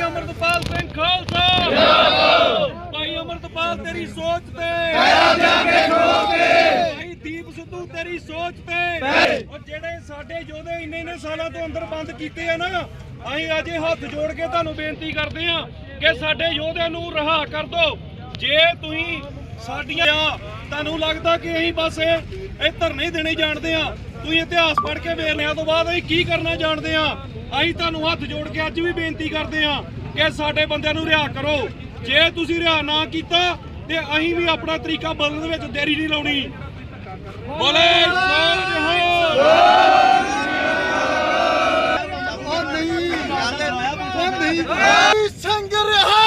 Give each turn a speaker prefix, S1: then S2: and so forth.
S1: ਅਮਰਤਪਾਲ ਸਿੰਘ ਖਾਲਸਾ ਜਿੰਦਾਬਾਦ। ਭਾਈ ਅਮਰਤਪਾਲ ਤੇਰੀ ਸੋਚ ਤੇ ਭਾਈ ਦੀਪ ਸਿੱਧੂ ਤੇਰੀ ਸੋਚ ਤੇ ਔਰ ਜਿਹੜੇ ਸਾਡੇ ਯੋਧੇ ਇੰਨੇ ਸਾਲਾਂ ਤੋਂ ਅੰਦਰ ਬੰਦ ਕੀਤੇ ਆ ਨਾ, ਅਸੀਂ ਅੱਜ ਹੱਥ ਜੋੜ ਕੇ ਤੁਹਾਨੂੰ ਬੇਨਤੀ ਕਰਦੇ ਆ ਕਿ ਸਾਡੇ ਯੋਧਿਆਂ ਨੂੰ ਰਿਹਾ ਕਰ ਦਿਓ। ਜੇ ਤੁਸੀਂ ਸਾਡੀਆਂ ਤੁਹਾਨੂੰ ਲੱਗਦਾ ਕਿ ਅਸੀਂ ਬਸ ਇਹ ਧਰਨੇ ਦੇਣੇ ਜਾਣਦੇ ਆ, ਤੁਸੀਂ ਇਤਿਹਾਸ ਪੜ੍ਹ ਕੇ ਵੇਖ ਲਿਆ ਤੋਂ ਬਾਅਦ ਅਸੀਂ ਕੀ ਕਰਨਾ ਜਾਣਦੇ ਆ। ਅਸੀਂ ਤੁਹਾਨੂੰ ਹੱਥ ਜੋੜ ਕੇ ਅੱਜ ਵੀ ਬੇਨਤੀ ਕਰਦੇ ਆ ਕਿ ਸਾਡੇ ਬੰਦਿਆਂ ਨੂੰ ਰਿਹਾ ਕਰੋ। ਜੇ ਤੁਸੀਂ ਰਿਹਾ ਨਾ ਕੀਤਾ ਤੇ ਅਸੀਂ ਵੀ ਆਪਣਾ ਤਰੀਕਾ ਬਦਲਣ ਦੇ ਵਿੱਚ ਦੇਰੀ ਨਹੀਂ ਲਾਉਣੀ। ਬੋਲੇ
S2: ਸੰਗ ਰਿਹਾ